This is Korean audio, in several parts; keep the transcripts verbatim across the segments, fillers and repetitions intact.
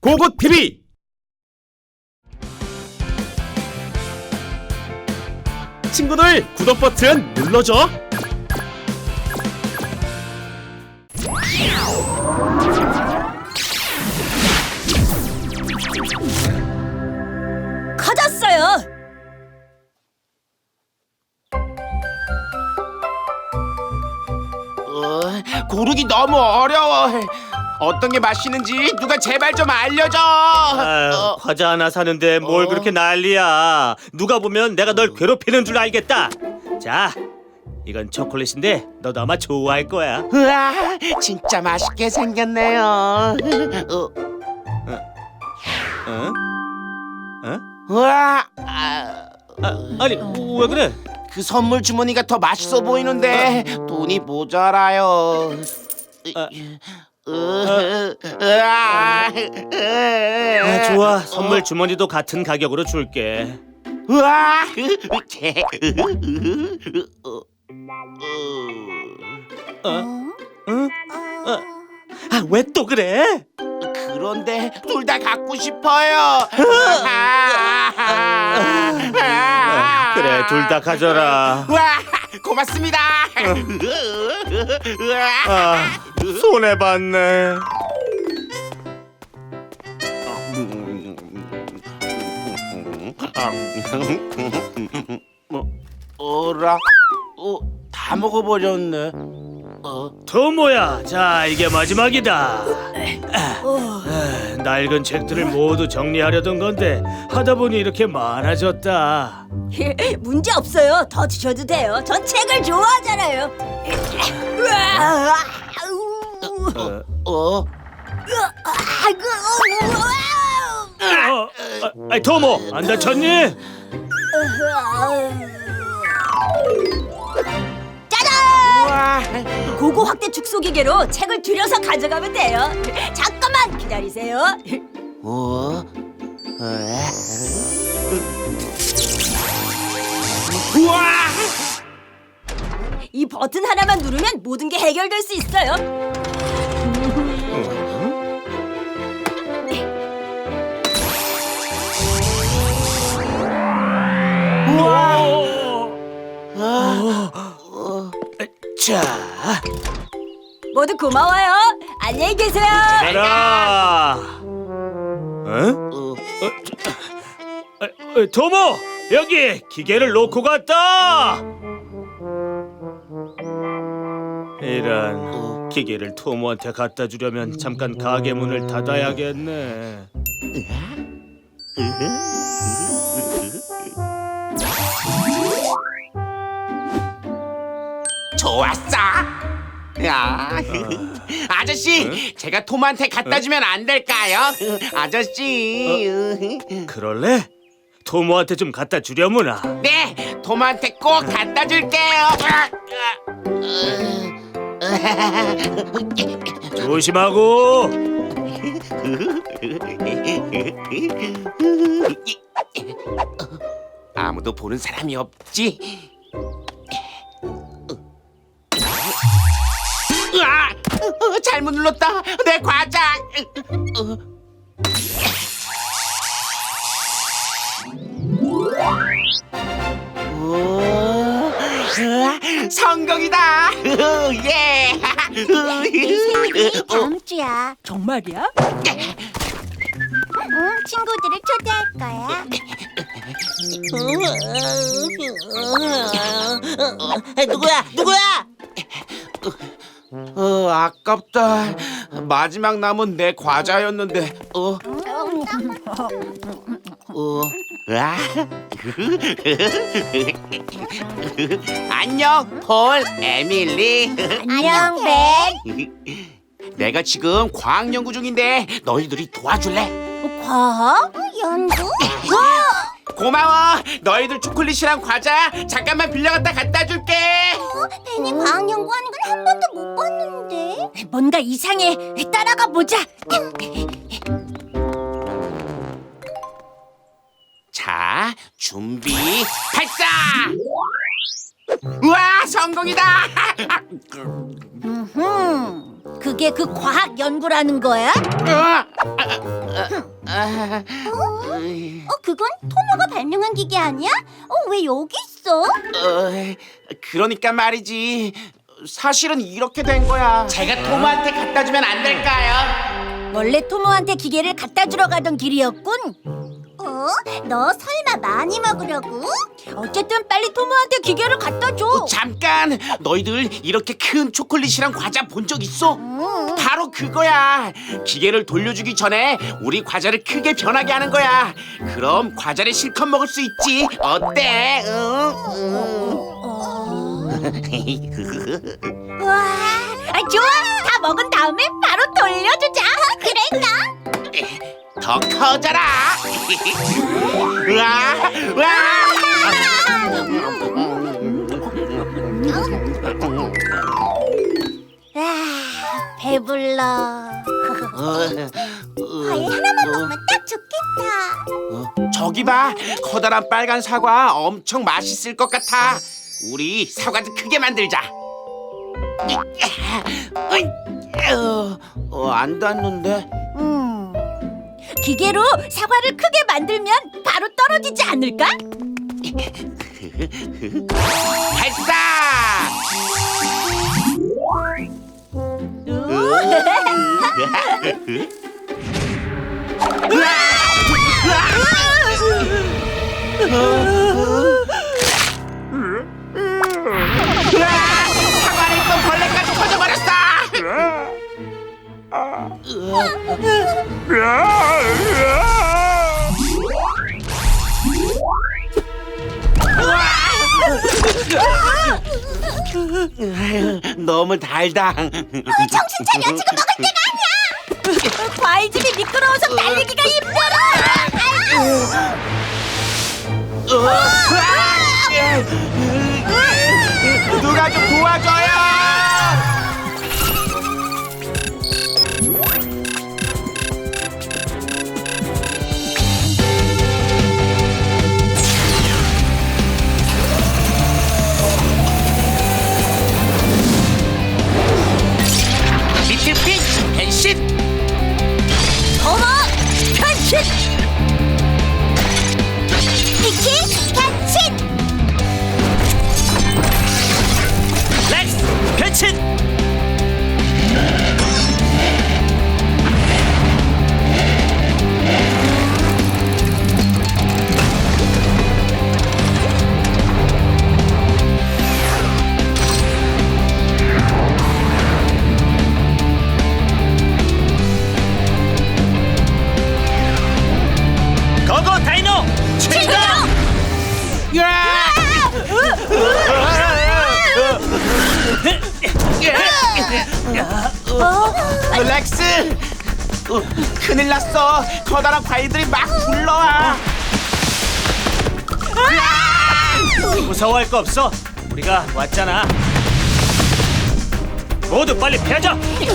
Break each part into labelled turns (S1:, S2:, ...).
S1: 고고 티비. 친구들 구독 버튼 눌러줘.
S2: 커졌어요.
S3: 어, 고르기 너무 어려워. 어떤 게 맛있는지 누가 제발 좀 알려줘.
S4: 아유,
S3: 어,
S4: 과자 하나 사는데 뭘
S3: 어?
S4: 그렇게 난리야. 누가 보면 내가 널 괴롭히는 줄 알겠다. 자, 이건 초콜릿인데 너도 아마 좋아할 거야.
S3: 우와, 진짜 맛있게 생겼네요. 어,
S4: 어? 어?
S3: 우와, 아,
S4: 아, 아니, 왜 그래?
S3: 그 선물 주머니가 더 맛있어 보이는데 돈이 모자라요.
S4: 아.
S3: 으, 으아,
S4: 아, 좋아. 선물 주머니도 같은 가격으로 줄게.
S3: 우와,
S4: 어? 응? 어? 아, 왜 또 그래?
S3: 그런데 둘 다 갖고 싶어요.
S4: 아, 그래, 둘 다 가져라.
S3: 와, 고맙습니다.
S4: 아, 손해 봤네.
S3: 어라, 어, 다 먹어버렸네. 어,
S4: 토모야, 자, 이게 마지막이다. 아, 낡은 책들을 모두 정리하려던 건데 하다 보니 이렇게 많아졌다.
S2: 문제 없어요. 더 드셔도 돼요. 전 책을 좋아하잖아요. 으아, 아우,
S3: 어, 어,
S2: 아이고, 우와.
S4: 어, 아, 아이, 토모, 안 다쳤니?
S2: 짜잔!
S3: 와,
S2: 고고 확대 축소 기계로 책을 들여서 가져가면 돼요. 잠깐만 기다리세요.
S3: 어, 우와,
S2: 이 버튼 하나만 누르면 모든 게 해결될 수 있어요.
S4: 자,
S2: 모두 고마워요. 안녕히 계세요.
S4: 가라. 어?
S3: 어,
S4: 아, 어, 토모, 여기 기계를 놓고 갔다. 이런, 기계를 토모한테 갖다 주려면 잠깐 가게 문을 닫아야겠네.
S3: 좋았어. 야, 아저씨, 제가 톰한테 갖다 주면 안 될까요? 아저씨.
S4: 그럴래? 토모한테 좀 갖다 주려무나.
S3: 네, 톰한테 꼭 갖다 줄게요.
S4: 조심하고.
S3: 아무도 보는 사람이 없지. 으아! 어, 잘못 눌렀다. 내 과자. 어. 오, 으아, 성공이다. 예.
S5: 생일이 다음 주야.
S2: 정말이야?
S5: 응, 친구들을 초대할 거야.
S3: 누구야? 누구야? 어, 아깝다. 마지막 남은 내 과자였는데. 어, 어, 아. 안녕, 폴, 에밀리.
S5: 안녕, 벤.
S3: 내가 지금 과학 연구 중인데 너희들이 도와줄래?
S5: 과학? 연구?
S3: 고마워. 너희들 초콜릿이랑 과자 잠깐만 빌려갔다 갖다 줄게.
S5: 어, 벤이 과학 연구하는 건 한 번도 못 봤는데.
S2: 뭔가 이상해. 따라가 보자.
S3: 자, 준비, 발사! 우와, 성공이다!
S5: 음, 그게 그 과학 연구라는 거야?
S3: 어, 아, 아, 아,
S5: 어, 그건 토모가 발명한 기계 아니야? 어, 왜 여기 있어?
S3: 어, 그러니까 말이지. 사실은 이렇게 된 거야. 제가 토모한테 갖다 주면 안 될까요?
S2: 원래 토모한테 기계를 갖다 주러 가던 길이었군.
S5: 어? 너 설마 많이 먹으려고?
S2: 어쨌든 빨리 토모한테 기계를 갖다 줘.
S3: 어, 잠깐. 너희들 이렇게 큰 초콜릿이랑 과자 본 적 있어?
S5: 음.
S3: 바로 그거야. 기계를 돌려주기 전에 우리 과자를 크게 변하게 하는 거야. 그럼 과자를 실컷 먹을 수 있지. 어때? 응?
S2: 와, 아, 좋아. 다 먹은 다음에 바로 돌려주자.
S5: 그럴까?
S3: 더 커져라. 우와, 우와.
S5: 아, 배불러.
S3: 어,
S5: 과일 하나만 먹으면 딱 좋겠다.
S3: 어, 저기 봐. 커다란 빨간 사과 엄청 맛있을 것 같아. 우리 사과도 크게 만들자. 어, 어, 안 닿는데.
S2: 음, 기계로 사과를 크게 만들면 바로 떨어지지 않을까?
S3: 발사! 사과 안에 있던 벌레까지 터져버렸어! 너무 달다.
S5: 정신 차려, 지금 먹을 때가 아니야.
S2: 과일집이 미끄러워서 달리기가 힘들어.
S3: 누가 좀 도와줘요! 리틀핑 변신!
S2: 토모 변신.
S5: 미키 변신.
S4: 렉스 변신. 고고 다이노 출동.
S3: 어, 렉스! 어, 큰일 났어. 커다란 과일들이 막 굴러와.
S4: 무서워할 거 없어. 우리가 왔잖아. 모두 빨리 피하자.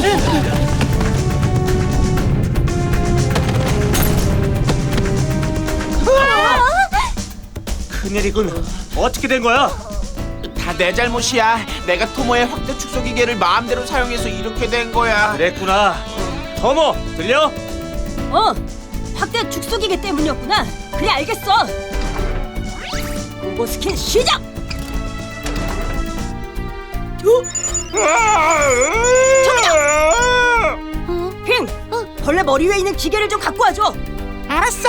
S4: 큰일이군. 어떻게 된 거야?
S3: 다 내 잘못이야. 내가 토모의 확대 축소 기계를 마음대로 사용해서 이렇게 된 거야.
S4: 그랬구나. 토모 들려?
S2: 어, 확대 축소 기계 때문이었구나. 그래, 알겠어. 로보 스킨 시작. 핑, 벌레 머리 위에 있는 기계를 좀 갖고 와줘.
S5: 알았어.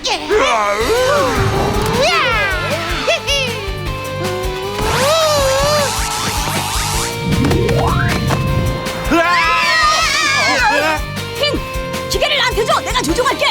S2: 핑, 기계를 나한테 줘. 내가 조종할게.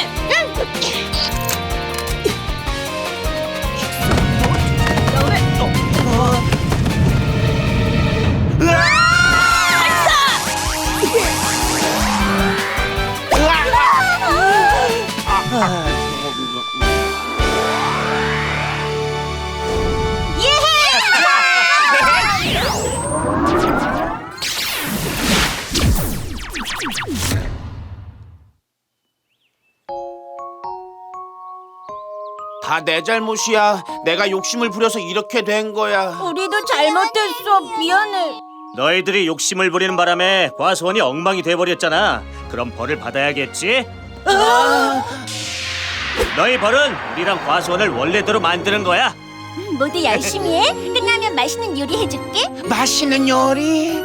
S3: 다 내 잘못이야. 내가 욕심을 부려서 이렇게 된 거야.
S2: 우리도 잘못했어. 미안해.
S4: 너희들이 욕심을 부리는 바람에 과수원이 엉망이 돼버렸잖아. 그럼 벌을 받아야겠지? 너희 벌은 우리랑 과수원을 원래대로 만드는 거야.
S5: 모두 열심히 해. 끝나면 맛있는 요리 해줄게.
S3: 맛있는 요리.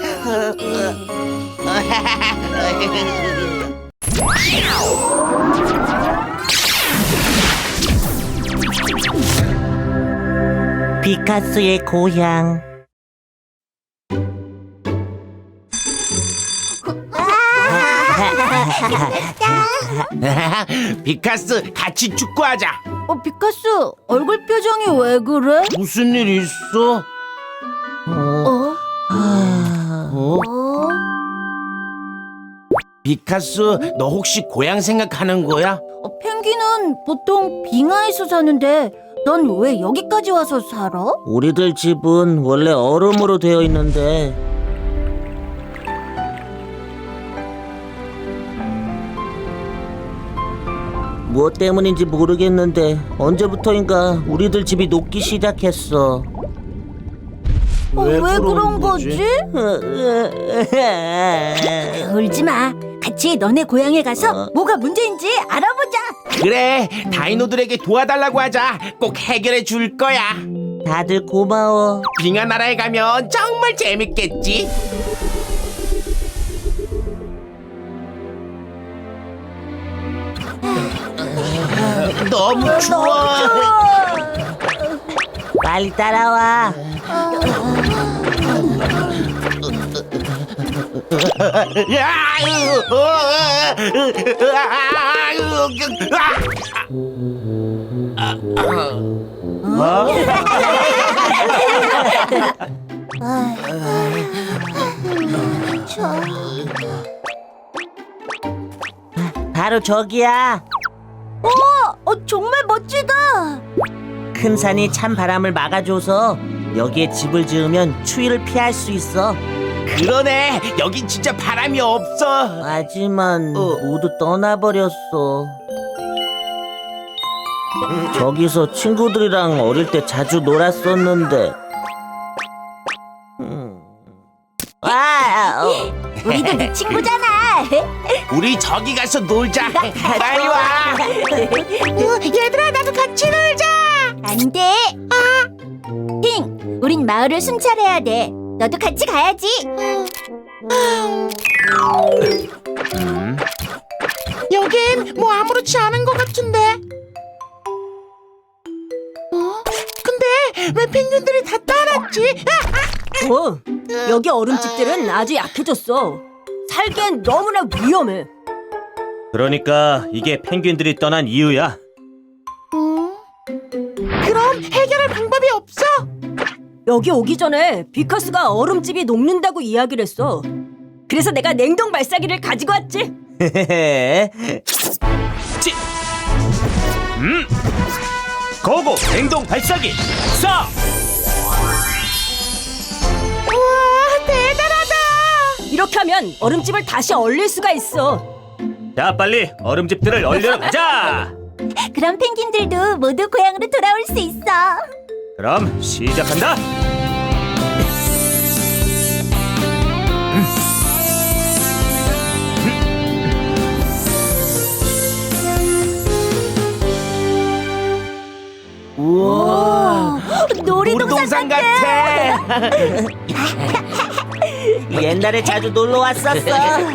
S6: 피카소의 고향.
S3: 피카스, 같이 축구하자.
S2: 어, 피카스, 얼굴 표정이 왜 그래?
S3: 무슨 일 있어?
S2: 어?
S3: 어?
S2: 어?
S3: 피카스, 너 혹시 고향 생각하는 거야?
S2: 어, 펭귄은 보통 빙하에서 사는데 넌 왜 여기까지 와서 살아?
S6: 우리들 집은 원래 얼음으로 되어 있는데 무엇 때문인지 모르겠는데 언제부터인가 우리들 집이 녹기 시작했어.
S2: 어, 왜, 그런 거지? 울지 마. 같이 너네 고향에 가서 뭐가 문제인지 알아보자.
S3: 그래, 다이노들에게 도와달라고 하자. 꼭 해결해 줄 거야.
S6: 다들 고마워.
S3: 빙하 나라에 가면 정말 재밌겠지. 너무 추워.
S6: 빨리 따라와. 바로 저기야.
S2: 어, 정말 멋지다.
S6: 큰 산이 찬 바람을 막아줘서 여기에 집을 지으면 추위를 피할 수 있어.
S3: 그러네, 여긴 진짜 바람이 없어.
S6: 하지만
S3: 어.
S6: 모두 떠나버렸어. 저기서 친구들이랑 어릴 때 자주 놀았었는데. 음. 아, 어.
S2: 우리도 네 친구잖아.
S3: 우리 저기 가서 놀자. 빨리 와.
S5: 얘들아, 나도 같이 놀자. 안 돼. 아. 핑, 우린 마을을 순찰해야 돼. 너도 같이 가야지.
S3: 여긴 뭐 아무렇지 않은 것 같은데. 어? 근데 왜 펭귄들이 다 따랐지?
S2: 어, 여기 얼음집들은 아주 약해졌어. 살기엔 너무나 위험해.
S4: 그러니까 이게 펭귄들이 떠난 이유야.
S3: 그럼 해결할 방법이 없어?
S2: 여기 오기 전에 비커스가 얼음집이 녹는다고 이야기를 했어. 그래서 내가 냉동 발사기를 가지고 왔지.
S4: 찌. 음. 고고 냉동 발사기. 쏴.
S3: 우와, 대단하다.
S2: 이렇게 하면 얼음집을 다시 얼릴 수가 있어.
S4: 자, 빨리 얼음집들을 얼리러 가자.
S5: 그럼 펭귄들도 모두 고향으로 돌아올 수 있어.
S4: 그럼 시작한다.
S3: 우와,
S2: 놀이동산
S3: 같아.
S6: 옛날에 자주 놀러 왔었어.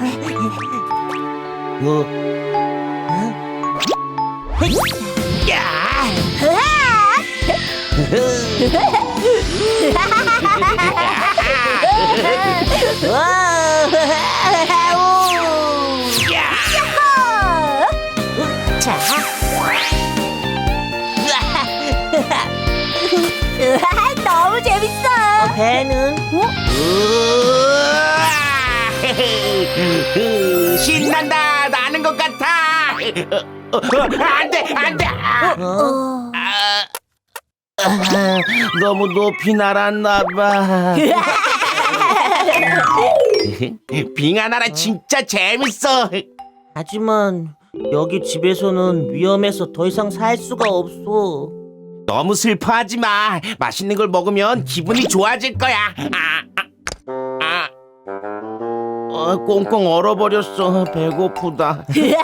S3: 어? 야!
S5: 자. 너무 재밌어.
S6: 배는
S3: 우와! 신난다. 나는 것 같아. 어, 어, 안 돼, 안 돼. 아,
S6: 어?
S3: 아, 아, 너무 높이 날았나 봐. 빙하나라 진짜 재밌어.
S6: 하지만 여기 집에서는 위험해서 더 이상 살 수가 없어.
S3: 너무 슬퍼하지 마. 맛있는 걸 먹으면 기분이 좋아질 거야. 아, 아, 아. 어,
S7: 어, 꽁꽁 얼어버렸어. 배고프다.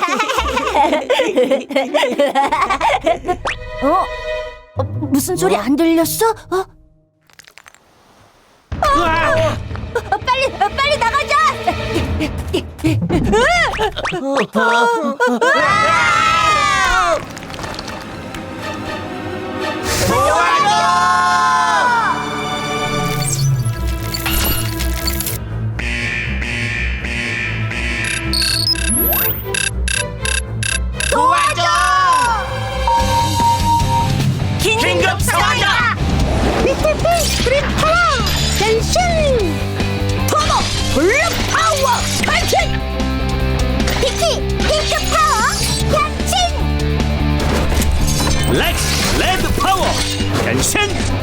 S5: 어? 어, 무슨 소리 안 들렸어? 어? 어, 빨리 어, 빨리 나가자!
S3: 긴급 상황이다.
S5: 블랙 파워 변신! 피키 핑크 파워 변신!
S4: 렉스 레드 파워 변신.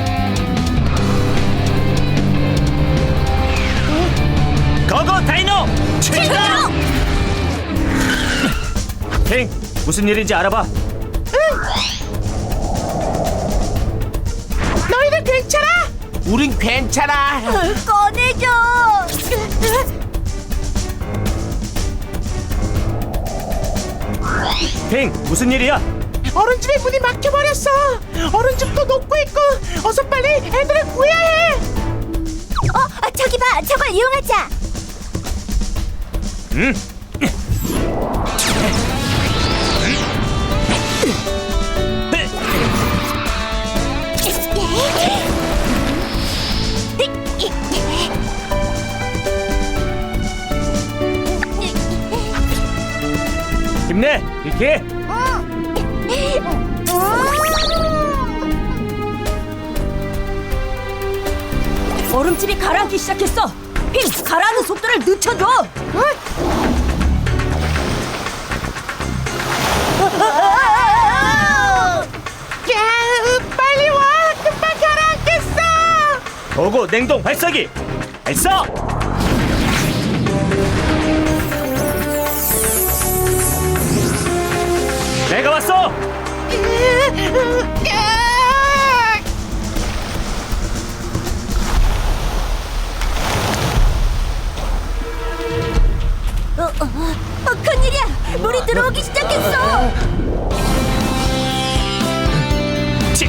S4: 고고 다이노 출동. 핑 무슨 일인지 알아봐.
S3: 너희들 괜찮아? 우린 괜찮아.
S5: 꺼내줘!
S4: 핑 무슨 일이야?
S3: 어른집의 문이 막혀버렸어. 어른집도 녹고 있고. 어서 빨리 애들을 구해야 해.
S5: 어, 아, 저기 봐, 저걸 이용하자.
S4: 응. 힘내 비키.
S2: 얼음집이 가라앉기 시작했어. 핑, 가라앉는 속도를 늦춰줘.
S3: 야, 빨리 와. 금방 가라앉겠어.
S4: 고고 냉동 발사기 발사. 내가 왔어.
S5: 어, 어, 어, 큰일이야! 물이 들어오기 시작했어!
S4: 치.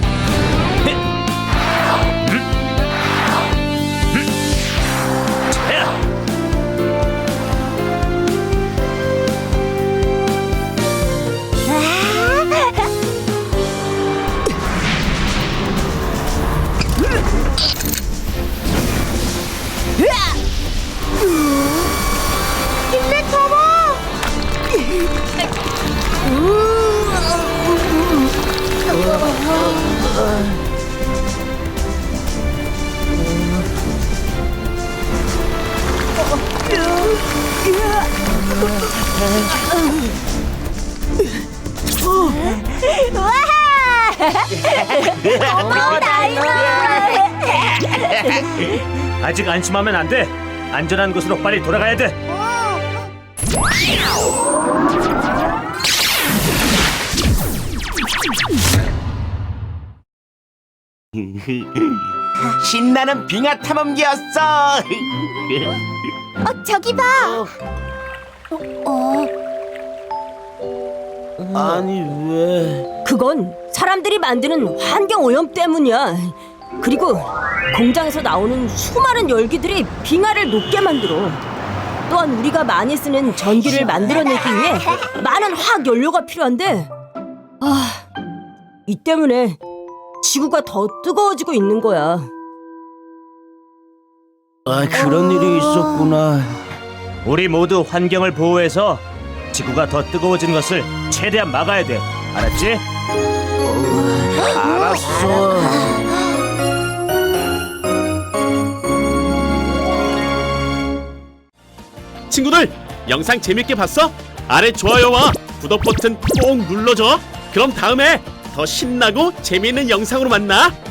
S5: 고마워, 다이노!
S4: 아직 안심하면 안 돼. 안전한 곳으로 빨리 돌아가야 돼.
S3: 신나는 빙하 탐험기였어.
S5: 어, 저기 봐! 어,
S7: 아니 왜?
S2: 그건 사람들이 만드는 환경 오염 때문이야. 그리고 공장에서 나오는 수많은 열기들이 빙하를 녹게 만들어. 또한 우리가 많이 쓰는 전기를 만들어내기 위해 많은 화학 연료가 필요한데, 아, 이 때문에 지구가 더 뜨거워지고 있는 거야.
S7: 아 그런 일이 있었구나.
S4: 우리 모두 환경을 보호해서 지구가 더 뜨거워진 것을 최대한 막아야 돼. 알았지?
S7: 알았어.
S1: 친구들, 영상 재밌게 봤어? 아래 좋아요와 구독 버튼 꼭 눌러줘. 그럼 다음에 더 신나고 재미있는 영상으로 만나.